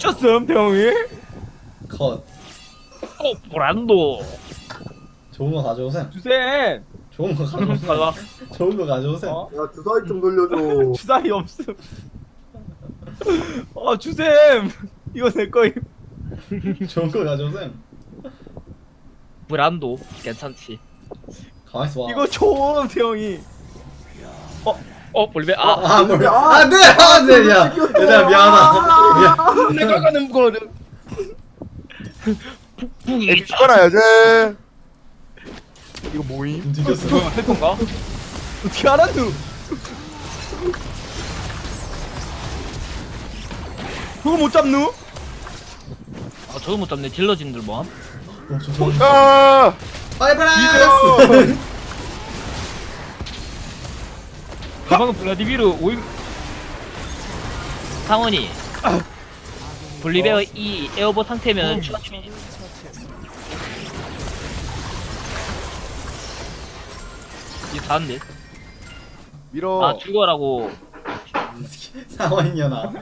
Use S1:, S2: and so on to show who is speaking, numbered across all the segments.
S1: 미쳤음 대형이?
S2: 컷.
S3: 브란도.
S2: 좋은 거 가져오세요.
S1: 주셈.
S2: 좋은 거
S3: 가자.
S2: 가져오세요. 좋은 거 가져오세요.
S1: 어?
S4: 야 주사위 좀 돌려줘.
S1: 주사위 없음. 주셈. 이거 내 거임.
S2: 좋은 거 가져오세요.
S3: 브란도 괜찮지.
S2: 가만 있어 봐.
S1: 이거 좀 대형이.
S3: 볼베
S2: 안돼 안돼 야 얘들아 미안하다. 미안.
S3: 내가 가는 거는
S5: 애기 죽어놔야지. 이거 뭐임?
S2: 움직였어.
S3: 해통가?
S1: 어떻게 알았누? 그거 못 잡누?
S3: 저도 못 잡네. 딜러진들 뭐함?
S2: 좋아.
S5: 아!
S2: 파이브라이스.
S3: 방금 블라디미르 오임 상원이 볼리베어 이 에어버 상태면 추가 추진. 이거 다는데?
S5: 밀어.
S3: 죽어라고.
S2: 상원이녀나.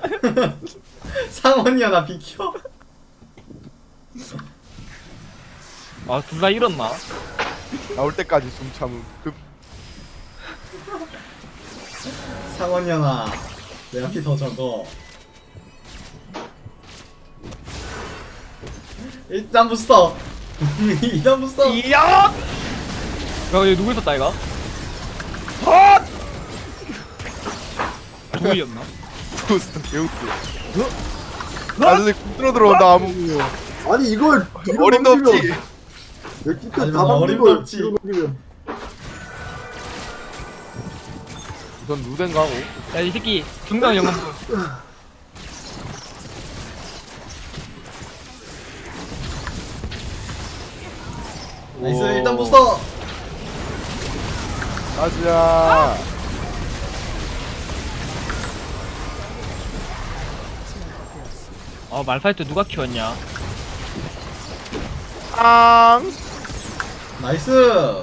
S2: 상원이녀나 비켜.
S3: 둘 다 잃었나?
S5: 나올 때까지 숨 참음.
S2: 상원이녀나. 내가 피 더 적어. 일단 부스터. 일단 부스터.
S1: 이야! 야, 얘 누구 있었다 이가?
S3: 누구였나?
S5: 부스터 개웃기. 나중에 뚫어 들어온다 아무.
S4: 아니 이걸 뒤로
S5: 어림도
S4: 넘기면
S5: 없지.
S4: 내 끼트
S2: 하지마,
S4: 다 막는
S2: 어림도
S4: 걸
S2: 없지.
S4: 뒤로 넘기면.
S5: 우선 루덴 가고.
S3: 야 이 새끼 중간 영웅.
S2: 나이스 일단 부스터.
S5: 가자.
S3: 말파이트 누가 키웠냐?
S5: 앙.
S2: 나이스.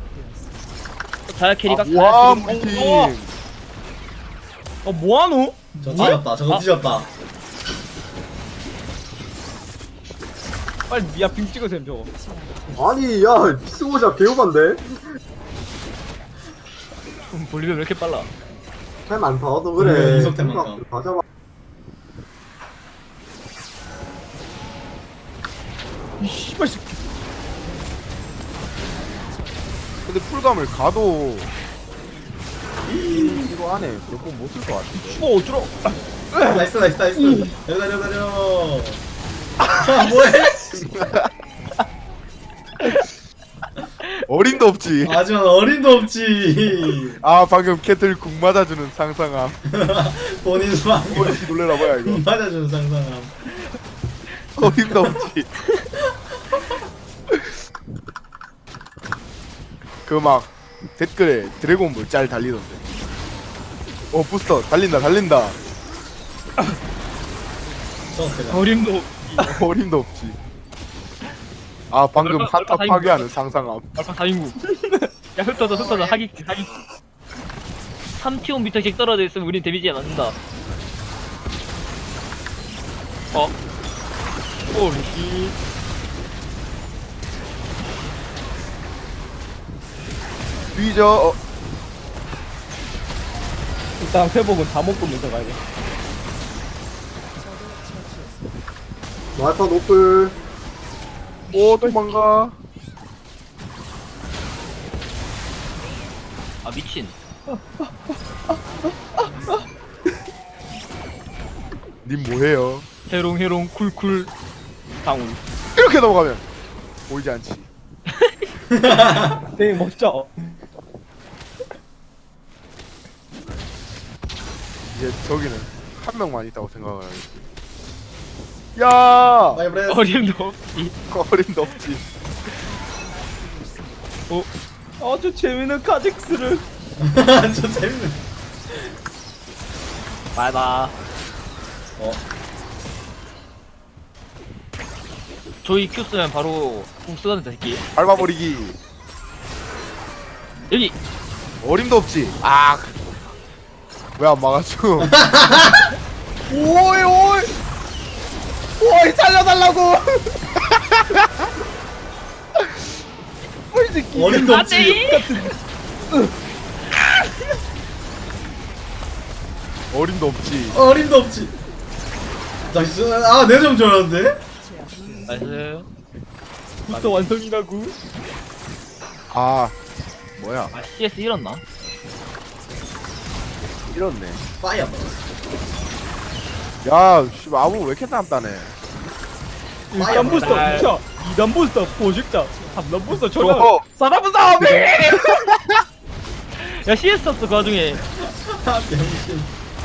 S3: 자야 캐리가
S5: 와 우리 팀.
S1: 뭐하노?
S2: 저 뒤졌다. 저거 뒤졌다.
S1: 빨리 야 빙 찍으셈 저거.
S4: 아니 야 피스고자 개우반데?
S3: 볼리베어 왜 이렇게 빨라?
S4: 템 안 타와서 그래.
S2: 이속템 많다.
S4: 다 잡아.
S1: 이 씨발 새끼.
S5: 근데 풀감을 가도 이거 안에 몇 번 못 쓸 것 같은데.
S1: 씨발 어쩌러?
S2: 나이스 나이스 나이스. 달려. 아 뭐해?
S5: 어림도 없지.
S2: 하지만 어림도 없지.
S5: 아 방금 캐틀 궁 맞아주는 상상함.
S2: 본인 막
S5: 어이 놀래라 뭐야 이거.
S2: 맞아주는 상상함.
S5: 어림도 없지. 그 막 댓글에 드래곤볼 짤 달리던데. 부스터 달린다.
S2: 저 그래.
S3: 어림도
S5: 어림도 없지. 아 방금
S3: 얼마
S5: 한타
S3: 다행이다.
S5: 파괴하는 상상함.
S3: 말파 4인구. 야 흩어져 하기. 3티온 미터씩 떨어져 있으면 우린 데미지가 맞는다. 리시.
S5: 뒤져.
S1: 일단 회복은 다 먹고 먼저 가야 돼.
S4: 말파 노플.
S5: 오 도망가.
S3: 미친.
S5: 님 뭐해요?
S3: 해롱 쿨쿨 방울.
S5: 이렇게 넘어가면 보이지 않지.
S1: 되게 멋져.
S5: 이제 저기는 한 명만 있다고 생각을 하겠지. 야
S2: 파이브레이스.
S3: 어림도 없지.
S5: 어림도 없지.
S1: 아주 재밌는 카직스를.
S2: 저 재밌네.
S3: 말봐. 저희 Q 쓰면 바로 궁 쓰거든 새끼.
S5: 밟아버리기.
S3: 여기.
S5: 어림도 없지. 아 왜 안 막아줘?
S1: 오이. 오이 살려달라고. 이 새끼.
S2: 어림도 없지.
S5: 어림도 없지.
S2: 어림도 없지. 나이스. 아, 내가 좀 좋아하는데?
S3: 나이스.
S1: 부스터 완성이라고.
S5: 아 뭐야?
S3: 아 CS 잃었나?
S5: 이렇네.
S2: 파이어.
S5: 야, 씨, 아무 왜 이렇게 남다네?
S1: 1단 부스터
S3: 날.
S1: 2차, 2단 부스터 포식자, 3단 부스터 전화.
S5: 어.
S1: 4단 부스터 미.
S3: 야 CS 썼어 그 와중에.
S2: 아, 병신.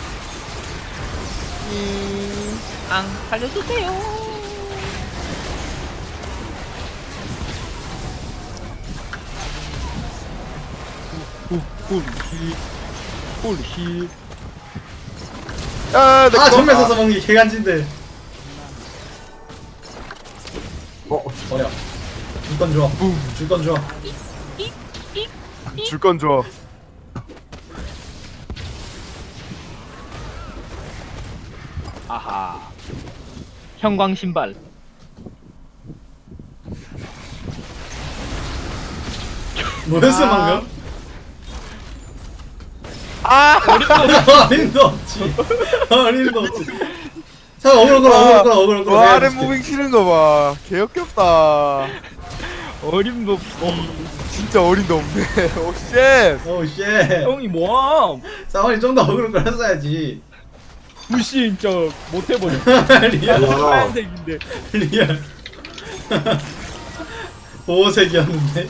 S3: 앙 살려주세요.
S1: 홀리.
S5: 야, 내
S2: 아,
S5: 거.
S2: 정면 서서 먹는 게 개간지인데. 버려. 줄 건 줘. 줄 건 줘.
S5: 줄 건 줘.
S3: 아하. 형광 신발.
S2: 뭐였어, 방금?
S5: 아,
S2: 어림도 없지. 어림도 없지. 자, 어그로 끌어.
S5: 와, 아래 무빙 치는 거 봐. 개역겹다.
S1: 어림도
S5: 진짜 어림도 없네. 오, 쉣.
S2: 오우, 쉣.
S1: 형이 뭐함?
S2: 사원이 좀 더 어그로 끌었어야지.
S1: 무시 진짜 못해버려.
S2: 리얼.
S4: 와.
S1: 하얀색인데.
S2: 리얼. 보호색이었는데.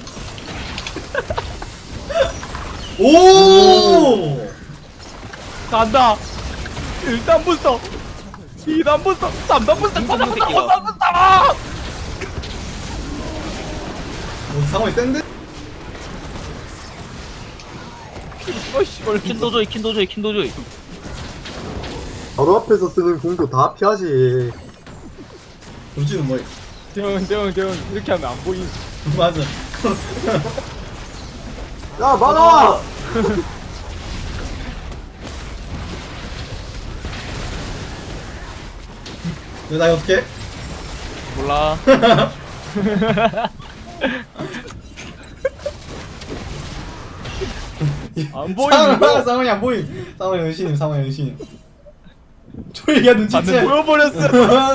S2: 오!
S1: 간다. 1단 부스터, 2단 부스터, 3단 부스터, 4단 부스터, 5단 부스터.
S2: 상황이 센데?
S1: 씨발.
S3: 킨도조이.
S4: 바로 앞에서 쓰는 공도 다 피하지.
S2: 우지는 뭐야?
S1: 대형 이렇게 하면 안 보임.
S2: 맞아.
S4: 야, 막아!
S2: 나 이거 어떻게?
S3: 몰라.
S1: 안 보이는 거.
S2: 상황이 안 보임. 상황이 은신님. 조이가
S1: 반대
S2: 눈치채.
S1: 보여버렸어.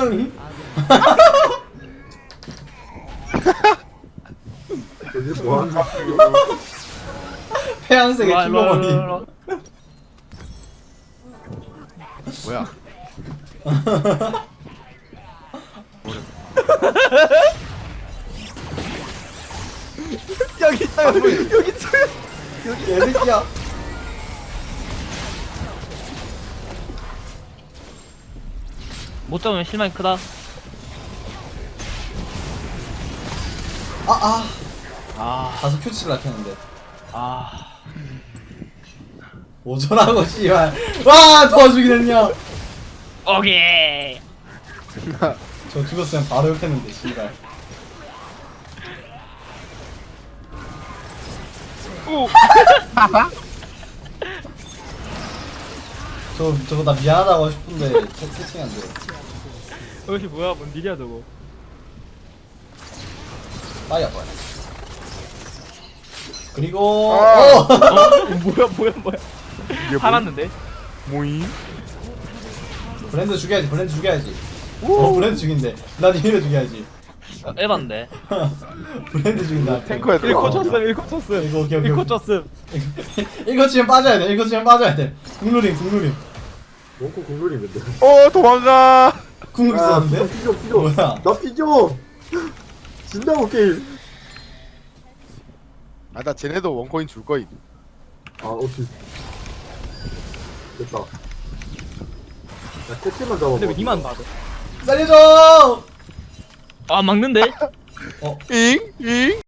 S4: 여기 뭐 하는 거야?
S2: 태양색의
S3: 일로와,
S2: 킬러머니.
S3: 일로와.
S5: 뭐야?
S1: 여기 있어. 여기 있어.
S2: 개새끼야.
S3: 못 잡으면 실망이 크다.
S2: 다섯 큐치를 낚였는데.
S3: 아.
S2: 오전하고 씨발. 와, 도와주긴 했냐?
S3: 오케이.
S2: 저 죽었으면 바로 욕했는데 씨발. 저거 나 미안하다고 하고 싶은데 채팅이 안 돼.
S1: 저것이 뭐야? 뭔 일이야 저거?
S2: 빨리 아파요. 그리고
S5: 아.
S1: 뭐야?
S5: 이게
S3: 살았는데?
S5: 뭐임?
S2: 브랜드 죽여야지. 브랜드 죽인대. 난 이미를 죽여야지.
S3: 에반데.
S2: 브랜드 죽인다.
S5: 탱커야, 탱커.
S1: 1코 쳤음.
S2: 이거 오케이.
S1: 1코 쳤음.
S2: 이거 치면 빠져야 돼. 국룰임.
S4: 원코 공룰이 근데.
S5: 도망가.
S2: 국룰 있었는데?
S4: 피죠.
S2: 뭐야?
S4: 나 피죠! 진다고 게임.
S5: 아, 나 쟤네도 원코인 줄 거임.
S4: 아, 오케이. 됐다. 야, 캐치만 잡아봐.
S1: 근데 왜 니만 봐도?
S2: 살려줘!
S3: 아 막는데?
S5: 잉?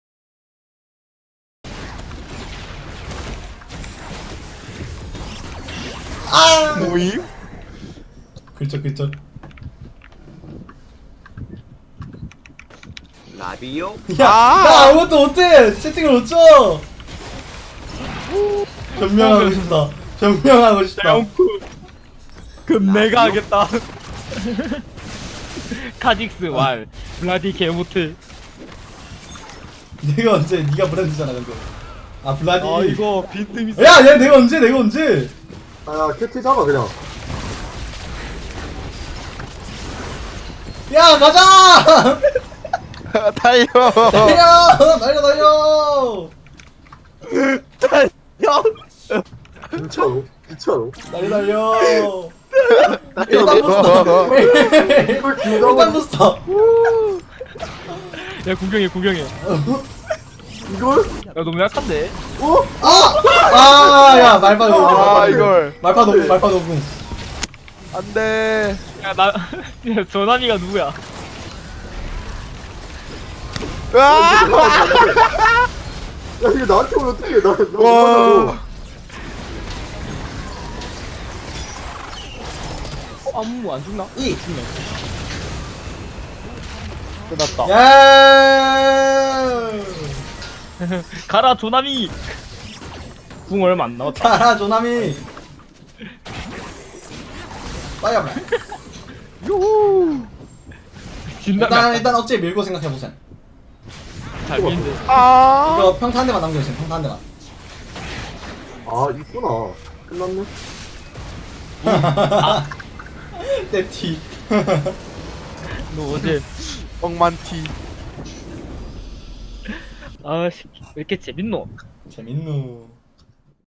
S2: 아!
S5: 뭐임?
S2: 글쩍.
S6: 라디오?
S2: 야,
S5: 아!
S2: 나 아무것도 못해! 채팅을 못 쳐! 변명하고 싶다.
S1: 대형쿠. 그럼 내가 하겠다.
S3: 카직스 왈 블라디 개모트.
S6: 내가 언제 네가 브랜드잖아 근데. 아 블라디.
S1: 아 이거 빈틈 있어.
S6: 야, 내가 언제?
S4: 아 캡틴 잡아 그냥.
S6: 야, 가자!
S5: 달려.
S6: 달려!
S1: 야,
S4: 진짜로?
S6: 달려!
S5: 달려.
S4: 이걸 기다고
S6: 일단 부스터.
S3: 야 구경해.
S4: 이걸?
S3: 야 너무 약한데.
S6: 야, 말파 녹음.
S5: 아 이걸
S6: 말파 녹음.
S5: 안돼.
S3: 야나 전환이가 누구야?
S5: 아!
S4: 야 이거 나한테 오면 어떡해 나
S5: 와.
S1: 아무 안 죽나?
S6: 이.
S1: 끝났다.
S6: 야!
S3: 가라 조나미. 궁 얼마 안 남았다.
S6: 가라 조나미. 빨리 와.
S3: 진짜
S6: 일단 억제 밀고 생각해 보세요.
S3: 잘 미는데.
S5: 아.
S6: 이거 평타 한 대만 남겨주세요. 평타 한 대만.
S4: 아 있구나 끝났네.
S6: 떼티.
S3: 너 어제
S5: 엉만티.
S3: 아씨 왜 이렇게 재밌노?
S6: 재밌누.